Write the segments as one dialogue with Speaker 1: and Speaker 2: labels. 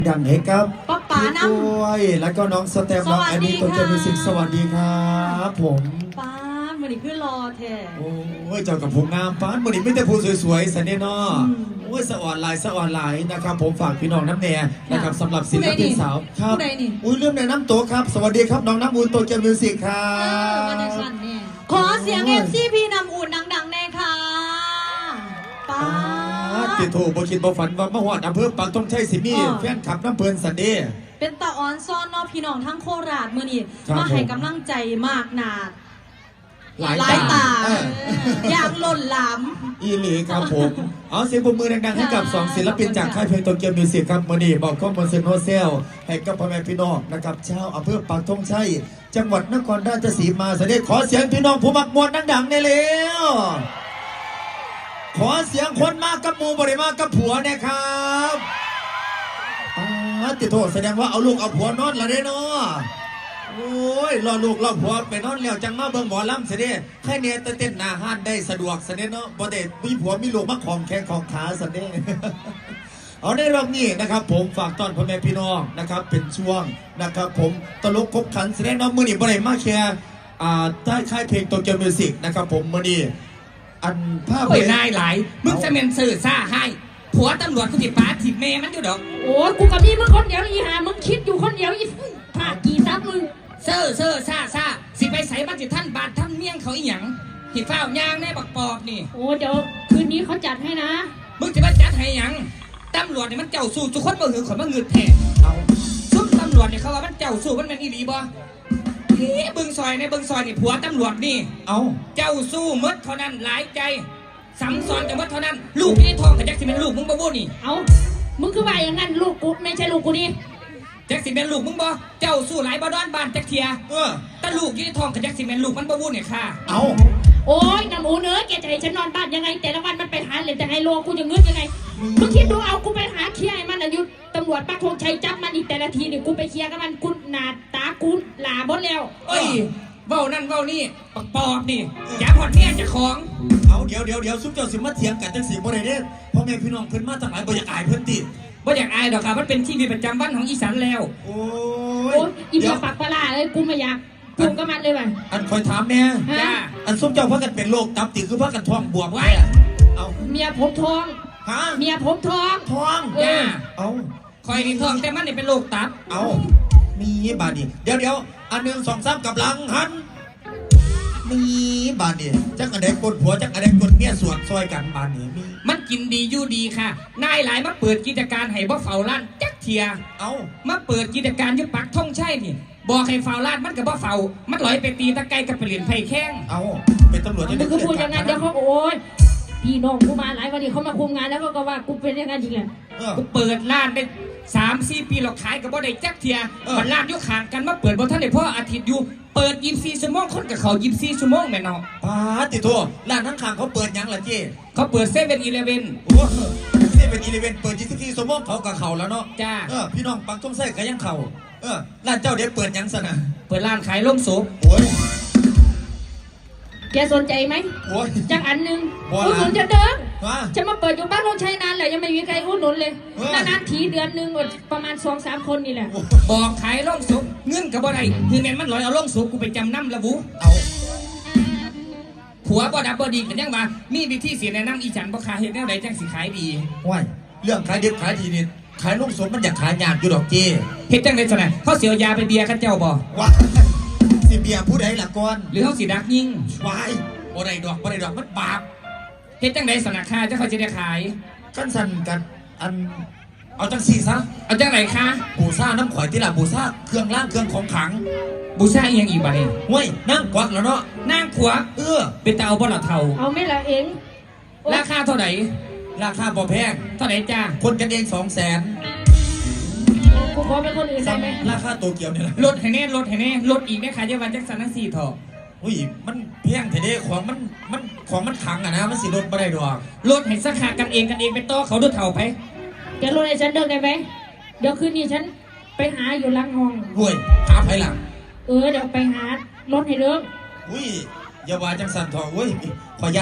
Speaker 1: ดังให้กับ
Speaker 2: ป๊าป๋าน้ำ
Speaker 1: ด้วยแล้วก็น้องสเต็มน้องแอนนี่ตัวเกียวมิวสิกสวัสดีครับผม
Speaker 2: ป้ามันนี่คือรอแท้
Speaker 1: โอ้ยเจ้ากับผมงามป้านมันนี่ไม่แต่ผู้สวยๆสันเดนอโอ้ยสะอ่อนลายนะครับผมฝากพี่น้องน้ำแน่นะครับสำหรับศิลปินสาวครับอุ้ยเรื่องในน้ำโตครับสวัสดีครับน้องน้ำอุ่นตัวเกียวมิวสิกครับ
Speaker 2: ขอเสียงFCน้ำอุ่นดังๆแน่ค่ะป้า
Speaker 1: ติดถูกบ่คิดบ่ฝันว่าเมื่อวานอำเภอปากต้องใช้สิมีแฟนขับน้ำเพลินสันเด
Speaker 2: เป็นตาอ่อนซ้อนเนาะพี่น้องทั้งโคราชมื้อนี้มาให้กำลังใจมากนาดหลายตาอย่างล้นหลาม
Speaker 1: อีหลีครับผมเอาเสียงปรบมือดังๆให้กับ2ศิลปินจากค่ายเพลงโตเกียวมิวสิกครับมื้อนี้บอกข้อมูลเซนโนเซลให้กับพ่อแม่พี่น้องนะครับชาวอำเภอปากธงชัยจังหวัดนครราชสีมาสันเดขอเสียงพี่น้องผู้มักมวลดังๆได้แล้วขอเสียงคนมากกับหมูบริมากับผัวนะครับติดโทษแสดงว่าเอาลูกเอาผัวนอนละเด้เนาะโอ้ยรอลูกรอผัวไปนอนแล้วจังมาเบิ่งหมอลำเสด็จแค่เนี้ยเต้นหน้าห้านได้สะดวกเสด็จเนาะบ่ได้มีผัวมีลูกมาของแข้งของขาเสด็จเอาในรอบนี้นะครับผมฝากต้อนพ่อแม่พี่น้องนะครับเป็นช่วงนะครับผมตลกครบขันเสด็จเนาะมื้อนี้บ่ได้มาแค่ใต้ค่ายเพลงโตเกียวมิวสิกนะครับผมมื้อนี้อันภาพ
Speaker 3: นายหลายมึงจะเมนสื่อซ่าให้ผัวตำรวจกูติดป้าติดเมย์มันอยู่ดอก
Speaker 2: โอ้กูกับนี่มึงคนเดียวอีหามึงคิดอยู่คนเดียวอีผากี่ซับมึง
Speaker 3: เซ่อซ่าสิไปใส่บ้านจิท่านบาทท่านเมี่ยงเขาอีหยังหิดเฝ้ายางแน่บักปอบนี่
Speaker 2: โอ้เดี๋ยวคืนนี้เขาจัดให้นะ
Speaker 3: มึงจะมาจัดให้หยังตำรวจเนี่ยมันเจ้าสู้ทุกคนบ่หือขนมาเงือแทนเอาซุ่มตำรวจเนี่ยเขาว่ามันเจ้าสู้มันเป็นอีหลีบ่บึงซอยในบึงซอยนี่ผัวตำรวจนี่
Speaker 1: เอา
Speaker 3: เจ้าสู้มดเท่านั้นหลายใจสัมสอนแต่ว่าเท่านั้นลูกที่ทองกับแจ็คสิเป็นลูกมึงบ่บ่นี่
Speaker 2: เอามึงคือว่าอย่างนั้นลูกกูไม่ใช่ลูกกูนี่
Speaker 3: แจ็คสิเป็นลูกมึงบ่เจ้าสู้หลายบ่ดอนบ้านแจ็คเทียแต่ลูกที่ทองกับแจ็คสิเป็นลูกมันบ่บ่เนี่ยค่ะ
Speaker 1: เอา
Speaker 2: โอ้ยน้ำหมูเนื้อแกจะให้ฉันนอนบ้านยังไงแต่ละวันมันไปหาเหรียญแต่ไฮโลกูจะเงือกยังไงมึงคิดดูเอากูไปหาเคลียร์มันอายุตำรวจปักธงชัยจับมันอีกแต่ละทีนี่กูไปเคลียร์กับมันกูหนาตากูหลาบดแล้ว
Speaker 3: เอ้ยเว้านั่นเว้านี่ปอบนี่อย่าพอดเนี่ยจะของ
Speaker 1: เอาเดี๋ยวซุปเจ้าสิมาเถียงกันจังสีบ่ได้เด้พ่อแม่พี่น้องเพิ่นมาตั้งหลายบ่อยากอายเพิ่นติ
Speaker 3: บ่อยากอายดอกครับมันเป็นชีวิตประจำวันของอีสานแล้ว
Speaker 1: โอ้
Speaker 2: ยอีเดียปากปลาเลยกูไม่อยากกูก็มันเลยว่ะ
Speaker 1: อันคอยถามเนี่ยอันซุปเจ้าพากันเป็นโรคตับติคือพากันท้องบวมไว้
Speaker 2: เอาเมียผมท้อง
Speaker 1: ฮะ
Speaker 2: เมียผมท้อง
Speaker 1: เอา
Speaker 3: คอยนี่ท้องแต่มันนี่เป็นโรคตับ
Speaker 1: เอามีบาดนี่เดี๋ยวอัน1 2 3กับหลังหันมีบานนี่จักอะไรกดผัวจักอะไรกดเมียสวนซอยกันบานนี่มี
Speaker 3: มันกินดีอยู่ดีค่ะนายหลายมาเปิดกิจการให้บ่เฝ้าร้านจักเทีย
Speaker 1: เอา
Speaker 3: มาเปิดกิจการอยู่ปักท่องใช่นี่บอกให้เฝ้าร้านมันกับบ่เฝ้ามันลอยไปตีตะไคร้กับเปลี่ยนไผ่แข้ง
Speaker 1: เอาเป็นตำรวจจะ
Speaker 2: ได้คือพูดอย่างนั้นเดี๋ยวเขาโอ้ยพี่น้องกูมาหลายวันนี้เขามาคุมงานแล้วก็ว่ากูเป็นอย่างนั้นจริงเลย
Speaker 3: กูเปิดร้านได้3-4 ปีเราขายกับบ่ได้จักเทียมันร้านอยู่ข้างกันมาเปิดบ่ทันได้เพราะอาทิตย์อยู่เปิด24 ชั่วโมงคนกับเขา24 ชั่วโมงแม่เนาะ
Speaker 1: ป้าติโทร้านทั้งข้างเขาเปิดยังล่ะเจ้
Speaker 3: เขาเปิด7-11
Speaker 1: โอ้7-11เปิด24 ชั่วโมงเขากับเขาแล้วเนาะ
Speaker 3: จ้า
Speaker 1: พี่น้องปักต้องใส่ก็ยังเขาร้านเจ้าเด็ดเปิดยังซะนะ
Speaker 3: เปิดร้านขายล่มสุก
Speaker 1: โอ้ย
Speaker 2: แกสนใจไหมจังอันหนึ่งอุดหนุนจะเดิมจะมาเปิดอยู่บ้านเราใช้นานแหละยังไม่มีใครอุดหนุนเลยนานๆทีเดือนหนึ่งประมาณ2-3 คนนี่แหละ
Speaker 3: บอกขายล่มสุกเงื่อนกับบ่ได้คือแม่มันลอยเอาล่มสุกกูไปจำนำละบุ
Speaker 1: เอา
Speaker 3: ผัวบ่ดับบ่ดีกันยังมามีวิธีเสียแนะนำอีจันบ่ขายเห็ดแนวใดจังสิขายดี
Speaker 1: ว้ายเรื่องขายดิบขายดีนี่ขายล่มสุกมันอยากขายยากอยู่ดอกเจ้
Speaker 3: เห็ดจังได๋ซะนะเขาเสียยาไปเบียร์กันเจ้าบ่
Speaker 1: ว้าสิเบียร์ผู้ใดล่ะก่อน
Speaker 3: หรือเขาสิดักยิง
Speaker 1: วายบ่ได้ดอกมันบาป
Speaker 3: เฮ็ดจังได๋สนะค่าจะเขาจะได้ขาย
Speaker 1: กันสั่นกันอันเอาจังซี่ซะ
Speaker 3: เอาจังไหนคะ
Speaker 1: บูซ่าน้ำข่อยที่ละบูซ่าเครื่องล่างเครื่องของขัง
Speaker 3: บูซ่าอีหยังอีกบัดนี้
Speaker 1: เว้ยนั่งกวักแล้วเนาะ
Speaker 3: นั่งขวาเป็นตาเอาบ่ล่ะเฒ่า
Speaker 2: เอาไม่ละเอง
Speaker 3: ราคาเท่าไหร่
Speaker 1: ราคาบ่แพง
Speaker 3: เท่าไหร่จ้า
Speaker 1: คนกันเอง200,000
Speaker 2: กูขอเป็นคนอื่นได้ไหม
Speaker 1: ราคาโตเกียวเนี่ย
Speaker 3: ลดให้แน่ลดอีกแม่ขายเยาวันจักสันทั้ง4 ถอ
Speaker 1: อุ้ยมันแพงแท้ๆของมันขังอะนะมันสิลดไม่ได้ดอก
Speaker 3: ลดให้สักขากันเองเป็นโตเขาดูเถ่าไป
Speaker 2: จะลดให้ฉันเดินได้ไหมเดี๋ยวคืนนี้ฉันไปหาอยู่หลังห้อง
Speaker 1: เว้ยหาไปหลัง
Speaker 2: เดี๋ยวไปหารถให้เดิม
Speaker 1: อุ้ยอย่าว่าจังสันทองเว้ยขอยัน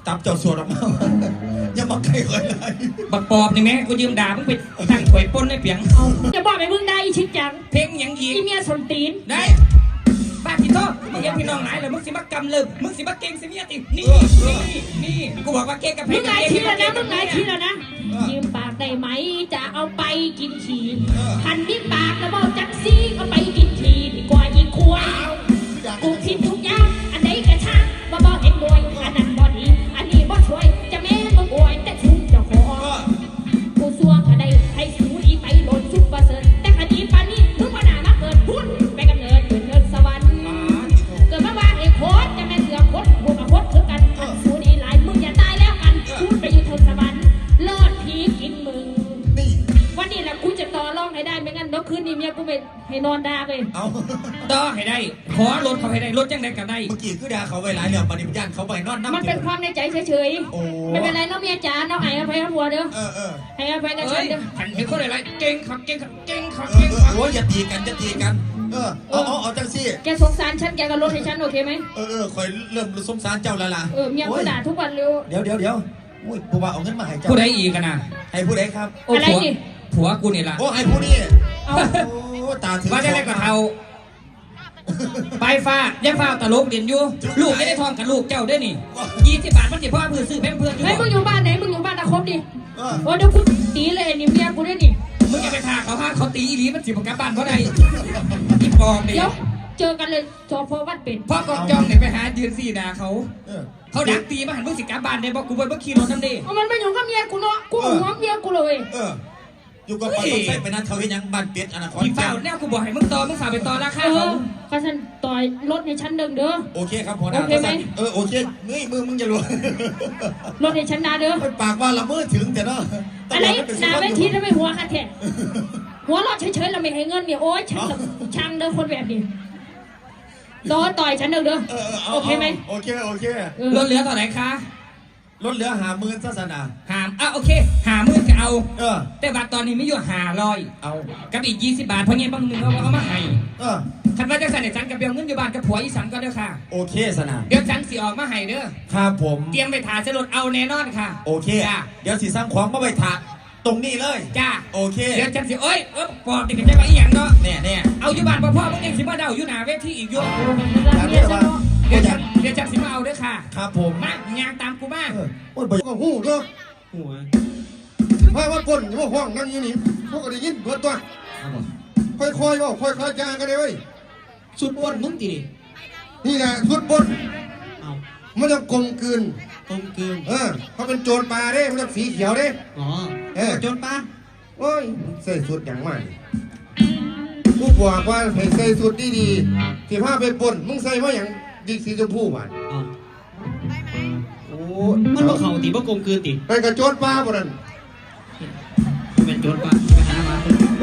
Speaker 1: จับเจ้าสวดออกมาอย่ามาใกล้เลย
Speaker 3: บักปอบนี่แม่กูยืมด่ามึงไปตั้งถวยปนในเปียง
Speaker 2: จะบอกไปมึงได้อีชิดจัง
Speaker 3: เพลงหยังอีก
Speaker 2: อีเมียสนตีน
Speaker 3: ได้บ้าพี่โตมึงเห็นพี่น้องหลายเลยมึงสิมากำเลยมึงสิมาเก่งสิเมียตินี่กูบอกว่าเก่งกับเพล
Speaker 2: มึ
Speaker 3: ง
Speaker 2: งไงทีแล้วนะมึงไงทีแล้วนะยืมปากได้ไหมจะเอาไปกินขี้พันมีปากแล้วบอกจังซี่เอาไปกินขี้ดีกว่ายิงควายกูผิดทุกอย่างอันไหนกระช่างบ่บอกเอ็นด้วยอันนั้นบ่ดีอันนี้บ่ช่วยจะแม่มึงอวยแต่ชุ่มเจ้าของกูซัวก็ได้ให้สูดีไปโหลดซุปเปอร์เซิร์ฟแต่คดีปานนี้มึงมาหนามาเกิดพุ่นไปกำเนิดเกิดเนินสวรรค์เกิดมาว่าไอ้โคตรจะแม่เสือโคตรกูกับโคตรคือกันสูดีหลายมึงอย่าตายแล้วกันพูดไปอยู่เทิงสวรรค์เลิศพีกินมึงวันนี้แหละกูจะต่อรองให้ได้ไม่งั้นเมื่อคืนนี้เมียกูไปให้นอนด่าไป
Speaker 1: เอา
Speaker 3: ต่อให้ได้ขอรถเขาให้ได้รถจังได้ก็ได้
Speaker 1: เมื่อกี้คือด่าเขาไว้หลายแล้วปฏิบัติญาณเขาไปนอนน้ำ
Speaker 2: มันเป็นความในใจเฉย
Speaker 1: โอ้
Speaker 2: ๆไม่เป็นไรน้องเมียจ๋าน้องให้อภัยหัวเด้อ
Speaker 1: เออ
Speaker 2: ให้อภัยกัน
Speaker 3: เอ้
Speaker 2: ฉั
Speaker 3: ย
Speaker 2: นเด้อ
Speaker 3: ขันเป็นคนอะไรเก่งขับเก่งขับเก่งขับ
Speaker 1: เอ
Speaker 3: เก่ง
Speaker 1: อ
Speaker 3: ขับ
Speaker 1: โอ้ยอย่าตีกันเอาจังสิ
Speaker 2: แกสงสารฉันแกก็ลดให้ฉันโอเคไหม
Speaker 1: คอยเริ่มสงสารเจ้าแล้วล่ะ
Speaker 2: เมียกูด่าทุกวันเลย
Speaker 1: เดี๋ยวอุ้ยผู้ว่าเอาเงินมาให้เจ้า
Speaker 3: ผู้ใดอีกกันนะ
Speaker 1: ให้ผู้ใดครับ
Speaker 3: โอ้ผัวกูนี่ล่ะ
Speaker 1: โอ้ให้ผู้นี้
Speaker 2: เอา
Speaker 1: โอ้ตาถึง
Speaker 3: ว่าจะได้กับเทาไปฟ้าย่าฟ้าตลกเด่นอยู่ลูกไม่ได้ทองกับลูกเจ้าด้วยนี่20 บาทมันสิพ่อเพื่อซื้อแพมเพื่อนอยู่
Speaker 2: เฮ้ยมึงอยู่บ้านไหนมึงอยู่บ้านตะครบดิ
Speaker 1: เออ
Speaker 2: โอ้เดี๋ยวกูตีเลยนี่เมียกูด้วยนี่
Speaker 3: มึงอย่าไปทาเขาห้าเขาตีอีหลีมันสิบกลับบ้านเพราะใดอีปอบนี่
Speaker 2: เดี๋ยวเจอกันเลยสพวัดเป็ด
Speaker 3: พ่อกองจองเนี่ยไปหายืนสี่ด่าเขา
Speaker 1: เออ
Speaker 3: เขาดักตีมาหันมึงสิกลับบ้านได้บอกกูไปเมื่อขี่รถน้ำดี
Speaker 2: เอามันไปอยู่กับเมียกูเนาะกูเอาหัวเมียกูเลย
Speaker 1: อยู่กับคนต้องใช้ไปนั้นเขาเห็นยังบ้านเป็ดอนาคต
Speaker 3: พี่เฝ้าแนวกูบอกให้มึงต่อมึงฝ่าไปต่อราคาเขา
Speaker 2: ข้าฉันต่อยรถในชั้นเดิมเด้อ
Speaker 1: โอเคครับพอนะ
Speaker 2: โอเคไหม
Speaker 1: โอเคมึงจะรู้
Speaker 2: รถในชั้นนาเด้อ
Speaker 1: ปากว่าละเมิดถึงแต่เนาะ
Speaker 2: อะไรหนาเวทีทำไมหัวค่ะแท้หัวเราะเฉยๆเราไม่ให้เงินเนี่ยโอ๊ยฉันช่างเด้อคนแบบนี้ต่อยฉันเด้อโอเคไหม
Speaker 1: โอเค
Speaker 3: รถเหลือต่อไหนคะ
Speaker 1: ลดเหลือ50,000ศาสนา
Speaker 3: หามโอเค50,000ก็เอา แต่บัตรตอนนี้ไม่อยู่500
Speaker 1: เอา
Speaker 3: กับอีก20 บาทเพราะงี้บางนึงเอามาให้ คันว่าจังสันเนี่ยฉันกับเบลเงินอยู่บ้านกับผัวอีสันก็เด้อค่ะ
Speaker 1: โอเคสนา
Speaker 3: เดี๋ยวฉันสิออกมาให้เด้อ
Speaker 1: ครับผม
Speaker 3: เตรียมไปถ่ายสรถเอาแน่นอนค่ะ
Speaker 1: โอเคเดี๋ยวสิสร้างของมาไปถาตรงนี้เลย
Speaker 3: จ้า
Speaker 1: โอเค
Speaker 3: เดี๋ยวฉันสิปอบติดกันจะมาอีหยังเนาะ
Speaker 1: เนี่ย
Speaker 3: เอาอยู่บ้านพ่อมึงยังสิมาเดาอยู่หน้าเวทีอีกอยู่
Speaker 2: รักเมียฉันเนาะ
Speaker 3: เดี๋ยวฉันสิมาเอาเด้อค่ะ
Speaker 1: ครับผม
Speaker 3: มายางตามกูมา
Speaker 1: โอ้ยบ่
Speaker 4: ก็หูเนาะหัวว่าปนอยู่ว่าห้องนั่งอยู่นี่พวกก็ได้ยินเบิดตัวค่อยๆว่าค่อยๆจางกันเลยเว้ย
Speaker 5: สุดบนมึงตีดิ
Speaker 4: นี่แหละสุดบน
Speaker 5: เอา
Speaker 4: มันจะกลมกลืน
Speaker 5: ตรงเกิน
Speaker 4: เขาเป็นโจรปลาเด้มันจะสีเขียวเด้
Speaker 5: อ๋อโจนปะ
Speaker 4: โอ้ยใส่สุดอย่างมากผู้บอกว่าให้ใส่สุดดีๆที่ผ้าไปปนมึงใส่ว่าอย่างดีสีชมพูหวาน
Speaker 5: อ๋อ
Speaker 4: โอ้
Speaker 5: มันบ่เข่าตีบ่กลมเกินตี
Speaker 4: ไปกับโจรปลาบ่นั่น
Speaker 5: เป็นโจนปะไปหามา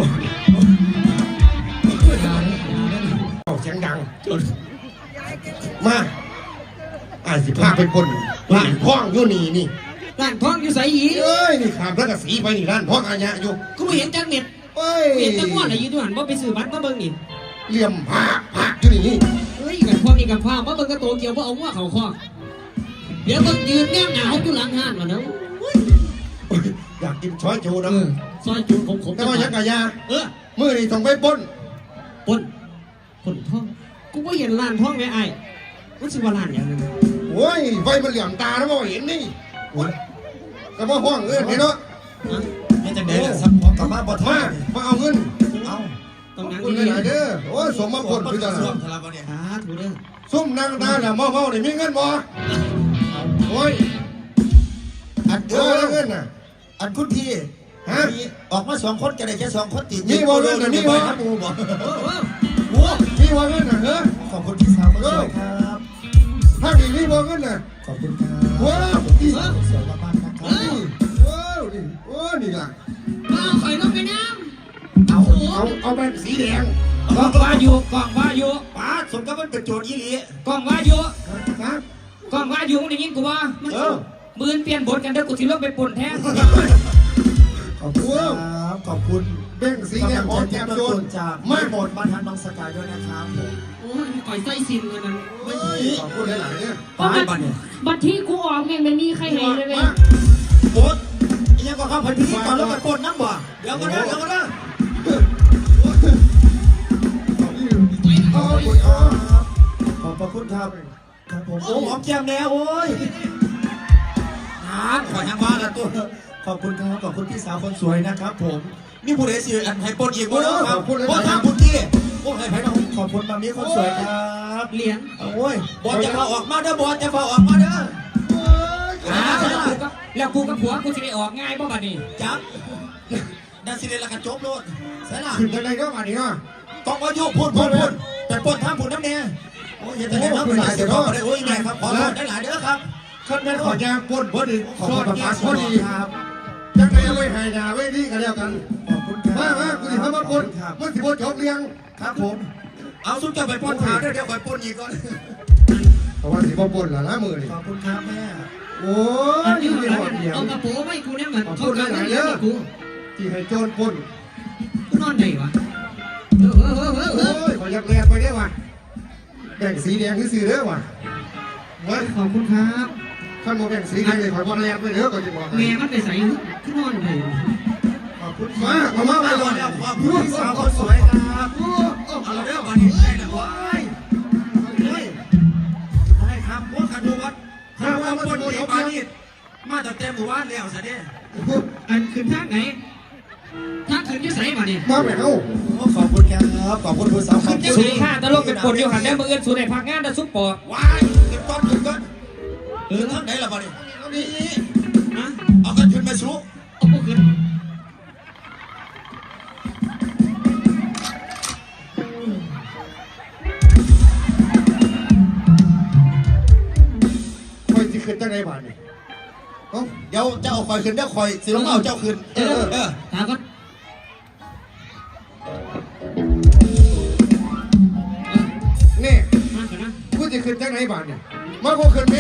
Speaker 4: เอาเสียงดัง
Speaker 5: โจน
Speaker 4: มาอ่านสิผ้าไปปนร้านพ้องอยู่นี่
Speaker 5: ร้านทองอยู่ใส่หี
Speaker 4: เอ้ยนี่ขามแล้วก็สีไปนี่ร้านพ้องอาญะอยู่
Speaker 5: กูไม่เห็นจักเน็ต
Speaker 4: เอ้ย
Speaker 5: เห็นตะม้วนอะไรอยู่ด้วยหันบ่ไปซื้อบัตรมาเบิ่งนี่
Speaker 4: เหลี่ยมผ้าอยู่นี่
Speaker 5: เฮ้ยกันพวกนี้กันฟ้ามาเบิ่งกระโตเกี่ยวบ่เอาหัวเข่าคอเดี๋ยวก็ยืนแนบหนาวอยู่หลังห้านวะเนาะ
Speaker 4: อยากกินช้อยโจนะ
Speaker 5: ซอยจูนขมๆ
Speaker 4: แต่ว่ายังกะยา
Speaker 5: มื
Speaker 4: มือนี่ต้องไปปน
Speaker 5: ปนทองกูบ่เห็นร้านทองแม่ไอ้มันสิว่าร้านหยังนั่น
Speaker 4: โอ้ยไฟมันเหลี่ยมตาแล้วบ่เห็นนี่แต่ว่าห้องเห็นเนาะ
Speaker 1: นี่จังได๋ล่ะสักของกลับมาบ่ทั
Speaker 4: มาเอาเงิน
Speaker 1: เอา
Speaker 5: ต้องนั่ง
Speaker 4: คุณ
Speaker 5: ดี
Speaker 4: ไหนเด้อโอ้ยสมมาปน
Speaker 1: คื
Speaker 4: คือ อ
Speaker 1: จะ
Speaker 4: จะ
Speaker 1: สวมทะเลาะเนี่ย
Speaker 5: ๆถูเด้อ
Speaker 4: ซุ่มนางตาเนี่ยเมาๆนี่มีเงินบ่โอ้ยอัดเงินน่ะ
Speaker 1: อันคุณพี่
Speaker 4: ฮะ
Speaker 1: ออกมา2 คนก็ได้แค่2 คนติด
Speaker 4: มีบ่เรื่องน่ะมีบ่
Speaker 1: ครับหมู่บ่
Speaker 4: โอ้มีว่าเงินน่ะเฮ้อ
Speaker 1: ขอบคุณพี่สาวมาด้วยครับ
Speaker 4: ถ้ามีมีบ่เงินน่ะ
Speaker 1: ขอบคุณครับ
Speaker 4: ว้าว
Speaker 1: พี่สาวสวยมากๆนะครับ
Speaker 4: ว้าวนี่โอ้นี่ล่ะ
Speaker 5: เอาข่อยลงไปน้
Speaker 4: เอาแบบสีแดง
Speaker 3: กองว่าอยู่
Speaker 1: ป้าสมกับมันเป็นโจรอีหลี
Speaker 3: กองว่าอยู่
Speaker 4: ครับ
Speaker 3: กองว่าอยู่มึงได้ยินกูว่า มือเปลี่ยนบทกันเด้อกูสิลงไปป่นแทน
Speaker 1: ขอบคุณครับขอบคุณ
Speaker 4: แบ่งสีแดงหอมแก้มโจร
Speaker 1: จาก
Speaker 4: มา
Speaker 1: ไม่หมดมาทานน้องสกายด้วยนะครับผม
Speaker 5: โอ้ยก่อยไส้ซินกันนั้น
Speaker 4: เฮ้ยขอบคุณหลายๆเนี่ย
Speaker 2: เพราะบัตรที่กูออกเนี่ยไม่มีใครเห็นเลยเว้ย
Speaker 1: โบ๊ทยังก็เข้าไปพิธีก่อนแล้วไปปนน้ำบ่เดี๋ยวก็ได้เดี๋ยวก็ได้
Speaker 4: ขอบคุณครับ
Speaker 1: ขอบพระคุณครับครับผมโอ้หอมแก้มแล้วโอ้ยขอยังว่าละตัวขอบคุณครับขอบคุณพี่สาวคนสวยนะครับผมนี่ผู้ใดสิอันให้ปนอีกบ่เนาะครับบ่ทางคุณที่โอ้ให้ไผน้องขอบคุณมามีคนสวยครับ
Speaker 5: เหรียญ
Speaker 1: โอ้ยบอลจะพาออกมาเด้อบอลจะพาออกมาเด้อ
Speaker 3: แล้วกูกับผัวกูจะได้ออกง่ายป่ะบัดนี้
Speaker 1: จับดันสิเดละกันจบโลดใช่ล่ะ
Speaker 4: ขึ้นยังไงก็มาดิเนาะ
Speaker 1: ต้องมาโยกพูดแต่ปนทางพูดน้ำเนี่ยโอ้ยอย่าแต่น้ำมันเสียท้องไปเลยโอ้ยแม่ครับขอโทษได้หลายเด้อครับ
Speaker 4: ขั้นแม่ขอยาปนพอดี
Speaker 1: ขอบ
Speaker 4: ซอ
Speaker 1: คุ
Speaker 4: ด
Speaker 1: ณ
Speaker 4: ยา
Speaker 1: ครับ
Speaker 4: พอดี
Speaker 1: ครับ
Speaker 4: จังไงเอาไว้ให้ยาไว้ดีกันแล้วกัน
Speaker 1: ขอบคุณครับ
Speaker 4: มากูสิพามาปน
Speaker 1: ครับ
Speaker 4: มันสิบ่จบเรียง
Speaker 1: ครับผม เอาสุดจะไปปนขาเดี๋ยวคอยปนอีกก่อน
Speaker 4: เพราะว่าสิบ่ปนล่ะนะมือนี่
Speaker 1: ขอบคุณครับแม่
Speaker 4: โอ้ยนี่มีหอดเดียว
Speaker 5: เอากระโปรงไม่กูเนี่ยเหมือนเขาการเลี้ยงกู
Speaker 4: ที่ให้โจรปน
Speaker 5: กูนอนไหนวะเออ
Speaker 4: โอ้ยขอยักแลกไปได้ว่ะแบ่งสีแดงคือสีเด้อว่ะเว้ย
Speaker 5: ขอบคุณครับ
Speaker 4: ขั้นโมแบ่งสีแดงเลยขอบ่แลกไปเด้อก็จะบอก
Speaker 5: แม่มันไปใส่ขึ้นนอนไหน
Speaker 1: ขอบคุณ
Speaker 4: มาเอามา
Speaker 1: มา
Speaker 4: ก่อน
Speaker 1: แล้วขอบคุณพี่สาวคนสวยครับเอาเรื่องวันนี้ได้แล้วว้ายได้ครับพวกขันดูวัดขันดูวัดปนเอกมานี่มาตั้งแต่หมู่บ้านแล้วสิเนี่ย
Speaker 5: อันขึ้นทางไหนทางขึ้นที่ใส่มาเนี่ย
Speaker 4: มาแม่เฮา
Speaker 1: ขอบคุณครับขอบคุณผู้สาวขอบคุณ
Speaker 3: สูค่าตลกเป็นปนอยู่หันแล้วมืออื่นสูในพักงานตะซุปปอก
Speaker 1: ว้ายขึ้นก้อนขึ้นก้อนทางไหนล่ะบ้านี่นี่
Speaker 5: นะ
Speaker 1: เอากันขึ้นมาสู้
Speaker 5: เอาพวกขึ้น
Speaker 4: คอยสิขึ้นจังได๋บาดนี่เอ้า
Speaker 1: เดี๋ยวเจ้าคอยขึ้นเดี๋ยวคอยสิลงเอาเจ้าขึ้นเออ
Speaker 5: ถามก็
Speaker 4: นี่
Speaker 5: มาก่อนนะ
Speaker 4: กูสิขึ้นจังได๋บาดนี่มากูขึ้นแม่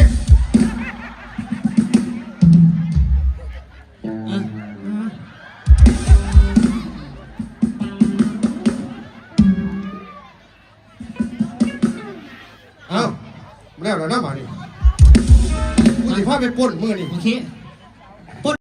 Speaker 4: เอ้าแล้วเหรอนะบาดนี่กูสิพาไปปล้นมื้อนี่
Speaker 5: โอเค